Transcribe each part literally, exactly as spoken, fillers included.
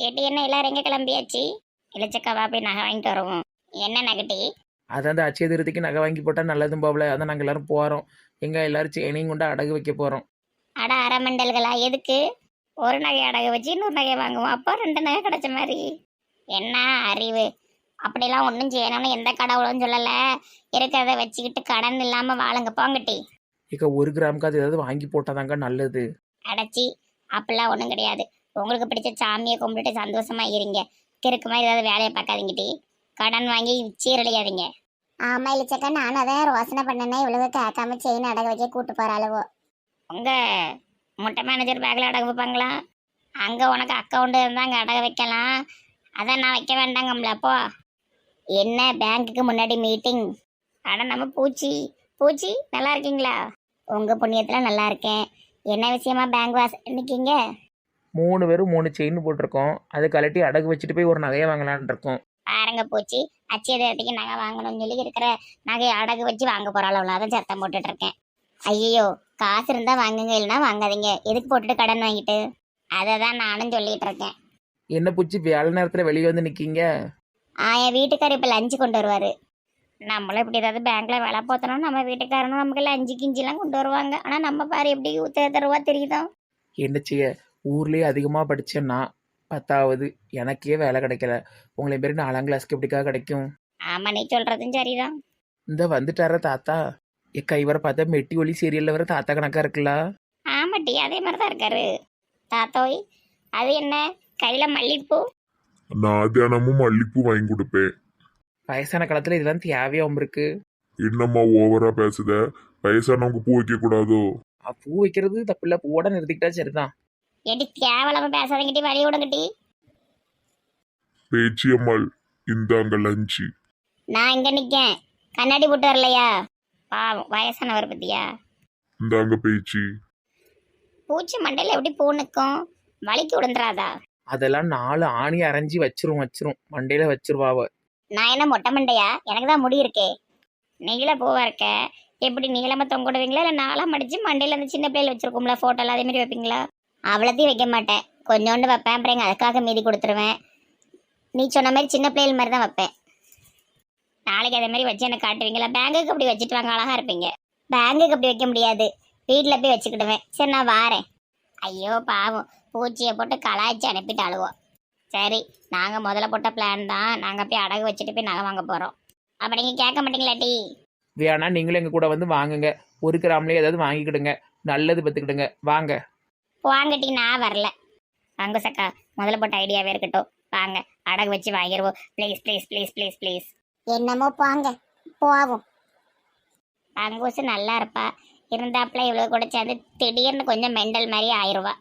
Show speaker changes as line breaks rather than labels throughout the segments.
கேட்டு என்ன எல்லாரும் எங்கே கிளம்பியாச்சு? இளிச்சக்காவா போய் நகை வாங்கிட்டு வருவோம். என்ன நகட்டி?
அதான் அந்த அச்சய திருத்திக்கு நகை வாங்கி போட்டால் நல்லதும் போகல. அதான் நாங்கள் எல்லாரும் போகிறோம். எங்கே எல்லாரும் செயினையும் கொண்டு அடகு வைக்க போகிறோம்.
அட அரைமண்டல்களா, எதுக்கு? ஒரு நகை அடகு வச்சு இன்னொரு நகை வாங்குவோம், அப்போ ரெண்டு நகை கிடைச்ச மாதிரி. என்ன அறிவு! அப்படிலாம் ஒன்றும் செய்யணும்னு எந்த கடவுளும் சொல்லலை. இருக்கிறத வச்சுக்கிட்டு கடன் இல்லாமல் வாழுங்க போங்கட்டி.
இக்க ஒரு கிராமுக்கு அது ஏதாவது வாங்கி போட்டாதாங்க நல்லது.
அடைச்சி அப்படிலாம் ஒன்றும் கிடையாது. உங்களுக்கு பிடிச்ச சாமியை கும்பிட்டுட்டு சந்தோஷமா இருங்க. கிறுக்கு மாதிரி ஏதாவது வேலையை பார்க்காதீங்கட்டி. கடன் வாங்கி சீரழியாதீங்க.
ஆமா இளிச்சக்கா, நானும் அதான் ரோசனை பண்ணேன்னா இவ்வளவு கேட்காம செயின் அடகு வைக்க கூட்டு போற அளவோ.
உங்க முட்டை மேனேஜர் பேக்கில் அடகு வைப்பாங்களா? அங்கே உனக்கு அக்கௌண்ட் இருந்தால் அங்கே அடகு வைக்கலாம். அதான் நான் வைக்க வேண்டாங்கம்ல. அப்போ என்ன பேங்க்குக்கு முன்னாடி மீட்டிங்? அட நம்ம பூச்சி பூச்சி நல்லா இருக்கீங்களா? உங்கள் புண்ணியத்தில் நல்லா இருக்கேன். என்ன விஷயமா பேங்க் வாச நிற்கீங்க?
மூணு பேரும் மூணு செயின் போட்டிருக்கோம். அதை கழட்டி அடகு வச்சுட்டு போய் ஒரு நகையை வாங்கலான் இருக்கோம்.
பாருங்க பூச்சி, அச்சய தேரத்துக்கு நகை வாங்கணும்னு சொல்லி இருக்கிற நகையை அடகு வச்சு வாங்க போகிறாள். அதான் சத்தம் போட்டுட்டு இருக்கேன். ஐயோ, காசு இருந்தால் வாங்குங்க, இல்லைன்னா வாங்காதீங்க. எதுக்கு போட்டுட்டு கடன் வாங்கிட்டு? அதை தான் நானும் சொல்லிட்டு இருக்கேன்.
என்ன பூச்சி வேலை நேரத்தில் வெளியே வந்து நிற்கீங்க?
ஆ, என் வீட்டுக்காரர் இப்போ லஞ்சு கொண்டு வருவார். நம்மளும் இப்படி ஏதாவது பேங்க்ல வேலை பார்த்தோம்னா நம்ம வீட்டுக்காரனும் நமக்கு லஞ்சு கிஞ்சிலாம் கொண்டு வருவாங்க. ஆனால் நம்ம பாரு எப்படி தருவா தெரியுதோ.
என்ன செய்ய, ஊர்லேயே அதிகமாக படித்தேன்னா பத்தாவது எனக்கே வேலை கிடைக்கல. உங்களை மாரி நாலாம் கிளாஸ்க்கு எப்படிக்கா கிடைக்கும்?
ஆமாம், நீ சொல்கிறதும் சரிதான்.
இந்த வந்துட்டார தாத்தா. எக்கா இவரை பார்த்தா மெட்டி ஒலி சீரியலில் வர தாத்தா கணக்காக இருக்குல்ல?
ஆமாட்டி, அதே மாதிரி தான் இருக்காரு தாத்தோய். அது என்ன கையில் மல்லிகைப்பூ?
நான் தினமும் மல்லிப்பூ வாங்கி கொடுப்பேன்.
வயசான காலத்தில் இதெல்லாம் தேவையாகவும் இருக்கு.
என்னம்மா ஓவரா பேசுத? வயசானவங்க பூ வைக்க கூடாதோ?
அஹ் பூ வைக்கிறது தப்பில்ல, பூவோட நிறுத்திக்கிட்டா சரிதான்.
எடி தேவலாம பேசாதங்கிட்டி, வழி விடுங்கட்டி.
பேச்சியம்மாள், இந்தாங்க லஞ்சு.
நான் இங்கே நிற்கேன், கண்ணாடி போட்டு வரலையா? பாவம் வயசானவர் பத்தியா.
இந்தாங்க பேச்சி.
பூச்சி மண்டையில் எப்படி பூ நிற்கும்? வலிக்கு விழுந்துராதா?
அதெல்லாம் நாலு ஆணி அரைஞ்சி வச்சிரும் வச்சிரும் மண்டையில வச்சிருவாவ.
நான் என்ன மொட்டை மண்டையா? எனக்கு தான் முடி இருக்கே. நீள பூவா இருக்க. எப்படி நீளமாக தொங்கிடுவீங்களா, இல்லை நாளாக மடிச்சு மண்டையில் அந்த சின்ன பிள்ளைல வச்சிருக்கோம்ல ஃபோட்டோலாம், அதே மாதிரி வைப்பீங்களா? அவ்வளோத்தையும் வைக்க மாட்டேன், கொஞ்சோண்டு வைப்பேன். அப்புறம் எங்கள் அதுக்காக மீதி கொடுத்துருவேன். நீ சொன்ன மாதிரி சின்ன பிள்ளைகள் மாதிரி தான் வைப்பேன். நாளைக்கு அதே மாதிரி வச்சு எனக்கு காட்டுவீங்களா? பேங்குக்கு அப்படி வச்சுட்டு வாங்க, அழகாக இருப்பீங்க. பேங்குக்கு அப்படி வைக்க முடியாது, வீட்டில் போய் வச்சுக்கிடுவேன். சரி, நான் வாரேன். ஐயோ பாவம், பூச்சியை போட்டு கலாய்ச்சி அனுப்பிட்டு அழுவோம். சரி, நாங்கள் முதல்ல போட்ட பிளான் தான். நாங்கள் போய் அடகு வச்சுட்டு போய் நகை வாங்க போகிறோம். அப்போ நீங்கள் கேட்க மாட்டீங்களாட்டி?
வேணா நீங்களும் எங்க கூட வந்து வாங்குங்க. ஒரு கிராம்லேயே ஏதாவது வாங்கிக்கிடுங்க, நல்லது பத்துக்கிடுங்க. வாங்க
வாங்கட்டி, நான் வரல. வாங்க சக்கா, முதல்ல போட்ட ஐடியாவே இருக்கட்டும். வாங்க அடகு வச்சு வாங்கிடுவோம். Please please please please please.
என்னமோ போங்க, போவோம்.
அங்கூசு நல்லா இருப்பா, இருந்தாப்புல இவ்வளோ கூட சேர்ந்து திடீர்னு கொஞ்சம் மெண்டல் மாதிரி ஆயிடுவா.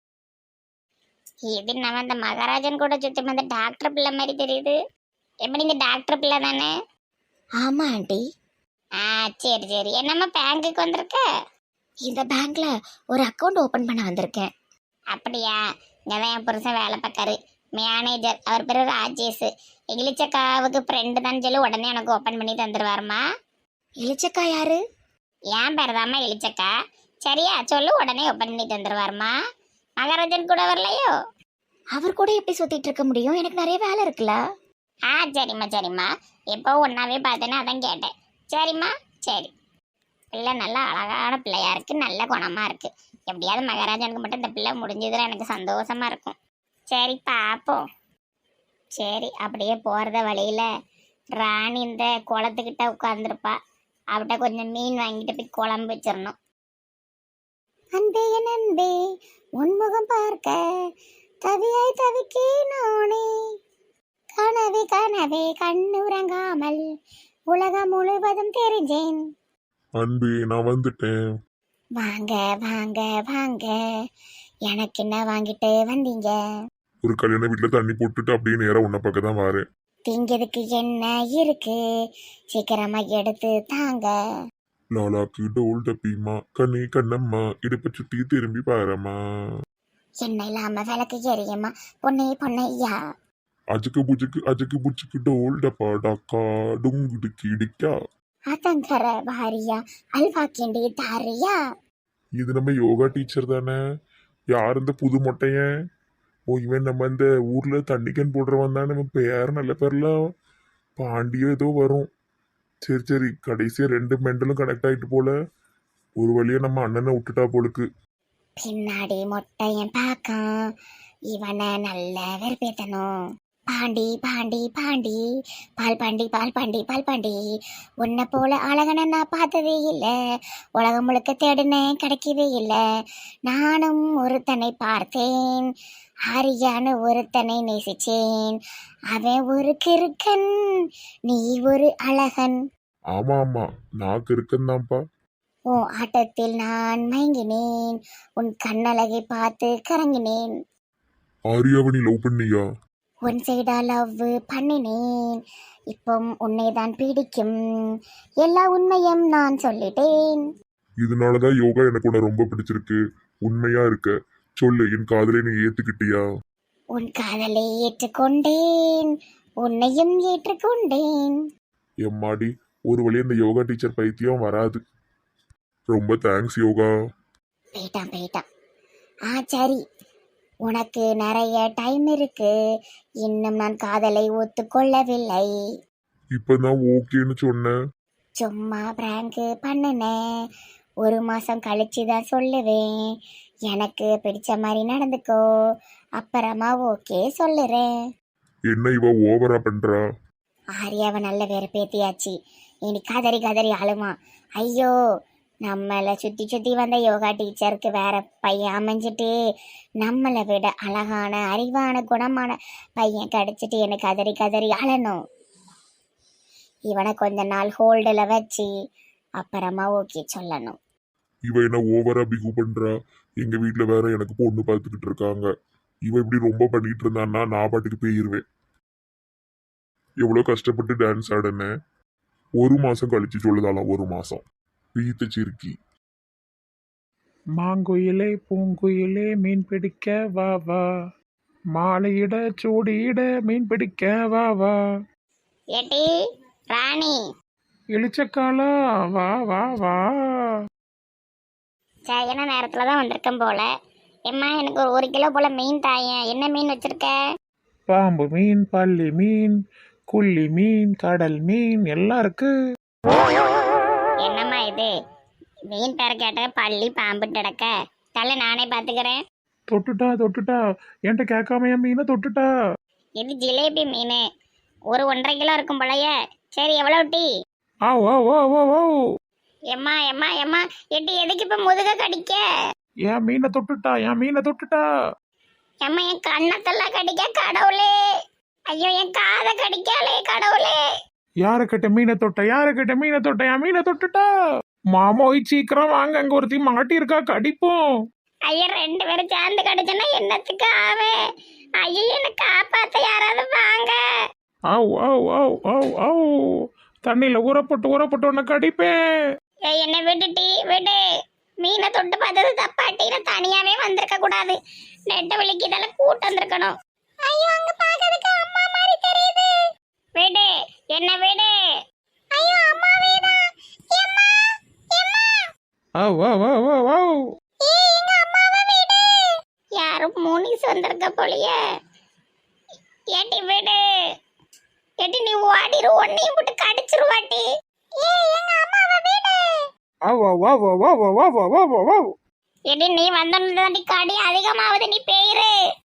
இது நம்ம இந்த மகாராஜன் கூட சுற்றி வந்த டாக்டர் பிள்ளை மாதிரி தெரியுது. எப்படி இந்த டாக்டர் பிள்ளை தானே?
ஆமா ஆண்டி,
ஆ சரி சரி. என்னம்மா பேங்குக்கு வந்திருக்க?
இந்த பேங்க்ல ஒரு அக்கௌண்ட் ஓபன் பண்ண வந்திருக்கேன்.
அப்படியா? இங்கே தான் என் புருஷன் வேலை பார்க்காரு, மேனேஜர். அவர் பேர் ராஜேஷ். இளிச்சக்காவுக்கு ஃப்ரெண்டு தான் சொல்லி உடனே எனக்கு ஓப்பன் பண்ணி தந்துடுவாருமா.
இளிச்சக்கா யாரு?
ஏன் பேர் தாம்மா இளிச்சக்கா. சரியா சொல்லு, உடனே ஓப்பன் பண்ணி தந்துடுவாருமா. மகாராஜன் கூட வரலையோ?
அவர் கூட எப்படி சுத்திட்டு இருக்க முடியும்? எனக்கு நிறைய வேலை இருக்குல்ல.
ஆ சரிம்மா சரிம்மா, எப்போ ஒன்றாவே பார்த்தேன்னா அதான் கேட்டேன். சரிம்மா சரி. பிள்ளை நல்லா அழகான பிள்ளையா இருக்கு, நல்ல குணமா இருக்கு. எப்படியாவது மகாராஜனுக்கு மட்டும் இந்த பிள்ளை முடிஞ்சதுல எனக்கு சந்தோஷமா இருக்கும். சரி பார்ப்போம். சரி, அப்படியே போகிறத வழியில் ராணி இந்த குளத்துக்கிட்ட உட்காந்துருப்பா. அவட்ட கொஞ்சம் மீன் வாங்கிட்டு போய் குழம்பு வச்சிடணும்.
அன்பே என் அன்பே, உன்முகம் பார்க்க தவியாய் தவிக்கே நானே. கனவே கனவே கண்ணுறங்காமல் உலகம் முழுவதும் தெரிஞ்சேன்.
அன்பே, நான் வந்துட்டேன்.
வாங்க வாங்க வாங்க, எனக்கு என்ன வாங்கிட்டு வந்தீங்க?
ஒரு கல்யாண வீட்டுல தண்ணி போட்டுட்டு அப்படியே நேரம் உன்னை பக்கம் தான் வாரேன்.
திங்கிறதுக்கு என்ன இருக்கு, சீக்கிரமா எடுத்து தாங்க.
லாலாக்கு டோல் டப்பிமா, கண்ணே கண்ணம்மா, இடுப்பை சுத்தி திரும்பி பாரம்மா.
என்ன இல்லாம விளக்கு எரியுமா பொண்ணே பொண்ணையா?
அஜுக்கு புஜுக்கு அஜுக்கு புஜுக்கு டோல் டப்பா டாக்கா டுங்குடுக்கி இடிக்கா.
அதங்கர பாரியா, அல்வா கிண்டி தாரியா.
இது நம்ம யோகா டீச்சர் தானே? யார் இந்த புது மொட்டையன்? ஓ இவன் நம்ம இந்த ஊர்ல தண்ணிக்கன் போடுறவன் தான். நம்ம பேர் நல்ல பேர்லாம் பாண்டியோ ஏதோ வரும். சரி சரி, கடைசியா ரெண்டு மெண்டலும் கனெக்ட் ஆயிட்டு போல. ஒரு வழியா நம்ம அண்ணனை விட்டுட்டா போலுக்கு.
பின்னாடி மொட்டையன் பாக்கான், இவனை நல்ல வெறுப்பேத்தணும். பாண்டி பாண்டி பாண்டி பால் பாண்டி பால் பாண்டி பால் பாண்டி, உன்னை போல அழகனை நான் பார்த்ததே இல்லை, உலகம் முழுக்க தேடினேன் கிடைக்கவே இல்லை. நானும் ஒருத்தனை பார்த்தேன், ஹரியானு ஒருத்தனை நேசிச்சேன், அவன் ஒரு கிறுக்கன், நீ ஒரு அழகன்.
ஆமா ஆமா, நாக்கு இருக்குந்தான்ப்பா.
உன் ஆட்டத்தில் நான் மயங்கினேன், உன் கண்ணழகை பார்த்து கறங்கினேன்,
ஆரியாவை நீ லவ் பண்ணியா?
உன் சைடா லவ் பண்ணினேன், இப்போ உன்னை தான் பிடிக்கும், எல்லா உண்மையும் நான் சொல்லிட்டேன்.
இதனாலதான் யோகா எனக்கு உன்னை ரொம்ப பிடிச்சிருக்கு. உண்மையா இருக்க சொல்லு, என் காதலை நீ ஏத்துக்கிட்டியா?
உன் காதலை ஏற்றுக்கொண்டேன், உன்னையும் ஏற்றுக்கொண்டேன்.
எம்மாடி, ஒரு வழியா இந்த யோகா டீச்சர் பைத்தியம் வராது. ரொம்ப தேங்க்ஸ் யோகா.
போயிட்டான் போயிட்டான். ஆ சரி, உனக்கு நிறைய டைம் இருக்கு, இன்னும் நான் காதலை ஒத்துக்கொள்ளவில்லை.
இப்பதான் ஓகேன்னு சொன்னேன்.
சும்மா பிராங்க் பண்ணுனேன், ஒரு மாசம் கழிச்சு தான் சொல்லுவேன். எனக்கு பிடிச்ச மாதிரி நடந்துக்கோ, அப்புறமா ஓகே சொல்லுறேன்.
என்ன இவ ஓவரா பண்றா?
ஆரியாவை நல்ல வெறுப்பேத்தியாச்சு, இனி கதறி கதறி அழுமா. ஐயோ, நம்மளை சுற்றி சுற்றி வந்த யோகா டீச்சருக்கு வேற பையன் அமைஞ்சிட்டு, நம்மளை விட அழகான அறிவான குணமான பையன் கிடைச்சிட்டு எனக்கு கதறி கதறி அழணும். இவனை கொஞ்ச நாள் ஹோல்டில் வச்சு அப்புறமா ஓகே சொல்லணும்.
இவ என்ன ஓவரா பிகு பண்றா? எங்க வீட்டுல வேற எனக்கு பொண்ணு பார்த்துக்கிட்டு இருக்காங்க. இவ இப்படி ரொம்ப பண்ணிட்டு இருந்தான்னா நான் பாட்டுக்கு போயிருவேன். எவ்வளவு கஷ்டப்பட்டு டான்ஸ் ஆடினேன். ஒரு மாசம் கழிச்சு சொல்லுதாலாம், ஒரு மாசம் வீட்டு சிறுக்கி.
மாங்குயிலே பூங்குயிலே மீன் பிடிக்க வா வா, மாலையிட சூடியிட மீன் பிடிக்க வா வா.
ஏட்டி ராணி,
இளிச்சக்காலா வா வா வா.
சரியான நேரத்துல தான் வந்திருக்கேன் போல. எம்மா எனக்கு ஒரு ஒரு கிலோ போல மீன் தாயேன். என்ன மீன் வச்சிருக்க?
பாம்பு மீன், பள்ளி மீன், குள்ளி மீன், கடல் மீன் எல்லாம் இருக்கு.
என்னம்மா இது? மீன் பேர கேட்ட பள்ளி பாம்பு கிடக்க. தலை நானே பாத்துக்கிறேன்.
தொட்டுட்டா தொட்டுட்டா, என்கிட்ட கேட்காம என் மீனை தொட்டுட்டா.
இது ஜிலேபி மீன், ஒரு ஒன்றரை கிலோ இருக்கும் போலயே. சரி எவ்வளோ டீ?
ஆ ஓ ஓ ஓ ஓ.
எம்மா எம்மா எம்மா, எட்டி எதுக்கு இப்ப முதுக கடிக்க?
என் மீனை தொட்டுட்டா, என் மீனை தொட்டுட்டா.
எம்மா என் கண்ணத்தெல்லாம் கடிக்க கடவுளே. ஐயோ என் காதை கடிக்காளே கடவுளே.
யாரு கிட்ட மீனை தொட்ட, யாரு கிட்ட மீனை தொட்ட, என் மீனை தொட்டுட்டா. மாமோய் சீக்கிரம் வாங்க, அங்க ஒருத்தி மாட்டி இருக்கா, கடிப்போம்.
ஐயா ரெண்டு பேரும் சேர்ந்து கடிச்சோன்னா என்னத்துக்கு ஆவே? ஐயோ என்ன காப்பாத்த யாராவது வாங்க.
ஆவ் ஆவ் ஆவ் ஆவ் ஆவ். தண்ணியில ஊறப்பட்டு ஊறப்பட்டு உன்னை கடிப்பேன்.
ஏய் என்ன விட்டுட்டி விடு. மீனை தொட்டு பார்த்தது தப்பாட்டி, நான் தனியாவே வந்திருக்க கூடாது. நெட்ட வலிக்கு இதெல்லாம் கூட்டு வந்திருக்கணும். ஐயோ அங்க பாக்கிறதுக்கு அம்மா மாதிரி தெரியுது. விடு என்ன விடு. ஐயோ அம்மாவே தான். அம்மா அம்மா.
ஆவ் ஆவ் ஆவ் ஆவ் ஆவ்.
ஏய் எங்க அம்மாவை விடு. யாரும் மூனிஸ் வந்திருக்க போலியே. ஏட்டி விடு. ஏட்டி நீ ஓடிரு, ஒன்னையும் போட்டு கடிச்சிருவாட்டி. ஏய் எங்க அம்மாவை விடு.
ஆவ் ஆவ் ஆவ் ஆவ் ஆவ் ஆவ் ஆவ் ஆவ் ஆவ் ஆவ்.
ஏடி நீ வந்தோன்னு கடி அதிகமாவது, நீ பேயிரு.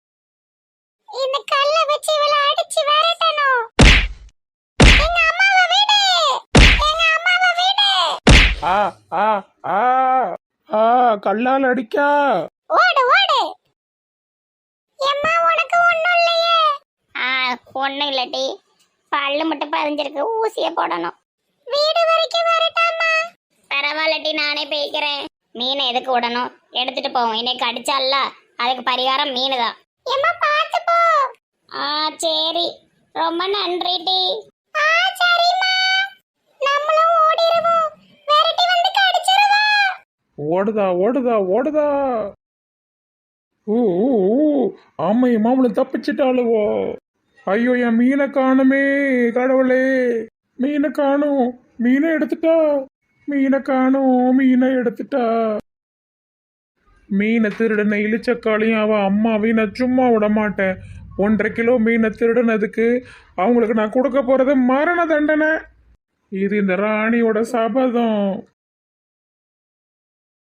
இந்த கல்ல வச்சு இவள அடிச்சு விரட்டணும். எங்க அம்மாவை விடு. எங்க அம்மாவை விடு.
ஆ ஆ ஆ ஆ. கல்லால் அடிக்கா.
ஓடு ஓடு. எம்மா உனக்கு ஒண்ணும் இல்லையே. ஆ ஒண்ணும் இல்லடி, பல்லு மட்டும் பதிஞ்சிருக்கு, ஊசிய போடணும். வீடு வரைக்கும் வரட்டாமா? பரவாயில்லடி, நானே போய்க்கிறேன். மீனை எதுக்கு விடணும், எடுத்துட்டு போவோம். இன்னைக்கு அடிச்சால அதுக்கு பரிகாரம் மீன் தான். எம்மா பாத்து போ. ஆ சரி, ரொம்ப நன்றி டி. ஆ சரிம்மா, நம்மளும் ஓடிடுவோம். விரட்டி வந்து கடிச்சிருவா.
ஓடுதா ஓடுதா ஓடுதா. ஊ ஊ, ஊ. ஆமை மாமலை தப்பிச்சிட்டாளுவோ. ஐயோ என் மீனை காணுமே கடவுளே. மீனை காணும், மீனை எடுத்துட்டா. மீனை காணும், மீனை எடுத்துட்டா.
மீனை திருடின இழிச்சக்காளையும் அவள் அம்மாவையும் நான் சும்மா விட மாட்டேன். ஒன்றரை கிலோ மீனை திருடினதுக்கு அவங்களுக்கு நான் கொடுக்க போகிறது மரண தண்டனை. இது இந்த ராணியோட சபதம்.